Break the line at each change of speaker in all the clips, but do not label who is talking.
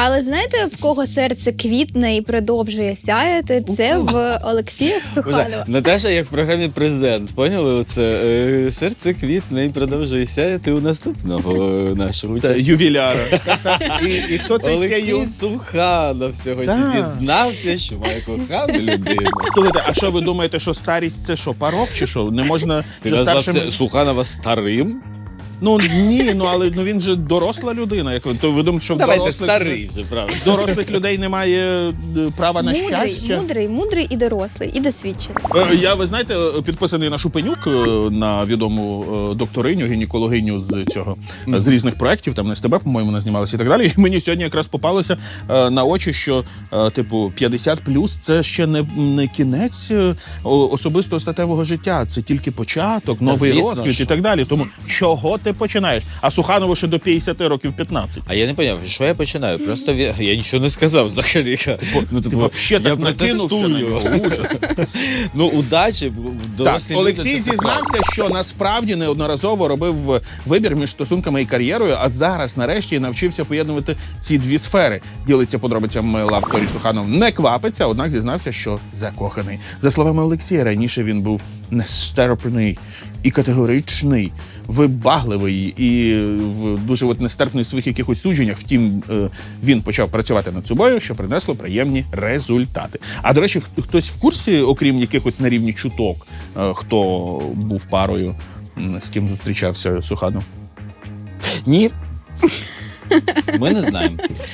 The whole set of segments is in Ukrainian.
Але знаєте, в кого серце квітне і продовжує сяяти? Це в Олексія Суханова.
Наташа, як в програмі «Презент», поняли оце? Серце квітне і продовжує сяяти у наступного нашого учасника.
Ювіляра. І хто цей
Олексій
сяю?
Суханов сьогодні зізнався, що має кохану людину.
Слухайте, а що ви думаєте, що старість це що, порок чи що? Не можна
Ти
вже
назвав
старшим...
Суханова старим?
Ну ні, але він же доросла людина. Як то ви думаєте, що в
Давайте
дорослих
старий вже, правда.
дорослих людей немає права на щастя?
Мудрий і дорослий, і досвідчений.
Я, ви знаєте, підписаний на Шупенюк, на відому докториню, гінекологиню з цього, з різних проєктів, там на СТБ, по-моєму, вона знімалася і так далі. І мені сьогодні якраз попалося на очі, що, типу, 50+, це ще не кінець особистого статевого життя, це тільки початок, новий розквіт і так далі. Тому чого ти починаєш? А Суханову ще до 50 років 15.
А я не поняв, що я починаю? Просто я нічого не сказав взагалі.
Ти взагалі так накинувся на нього. Ужас.
Ну, удачі.
Так, Олексій зізнався, що насправді неодноразово робив вибір між стосунками і кар'єрою, а зараз нарешті навчився поєднувати ці дві сфери. Ділиться подробицями Love Story Суханов. Не квапиться, однак зізнався, що закоханий. За словами Олексія, раніше він був нестерпний і категоричний, вибагливий і дуже нестерпний в своїх якихось судженнях. Втім, він почав працювати над собою, що принесло приємні результати. А, до речі, хтось в курсі, окрім якихось на рівні чуток, хто був парою, з ким зустрічався Суханов?
Ні. Ми не знаємо.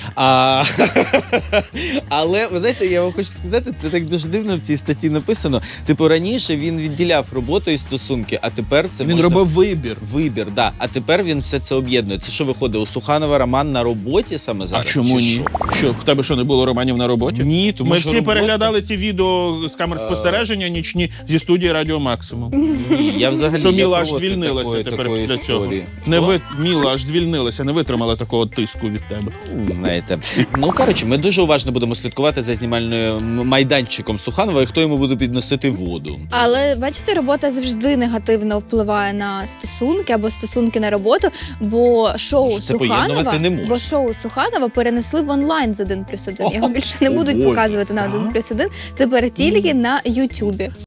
Але, ви знаєте, я вам хочу сказати, це так дуже дивно в цій статті написано. Типу, раніше він відділяв роботу і стосунки, а тепер це
Він робив вибір.
Вибір, да. А тепер він все це об'єднує. Це що виходить? У Суханова роман на роботі саме зараз?
А чому
чи
ні? Що, в тебе що, не було романів на роботі?
Ні, тому
Ми
що
всі
робота...
переглядали ці відео з камер спостереження нічні зі студії Радіо Максимум.
Ні, я взагалі...
Що Міла аж звільнилася тепер після цього. Міла аж звільнилася, не витримала такого тиску від тебе.
Знаєте. Ну, коротше, ми дуже уважно будемо слідкувати за знімальним майданчиком Суханова і хто йому буде підносити воду.
Але, бачите, робота завжди негативно впливає на стосунки або стосунки на роботу, бо шоу Суханова перенесли в онлайн з 1+1. Його більше не будуть показувати на 1+1, тепер тільки на Ютубі.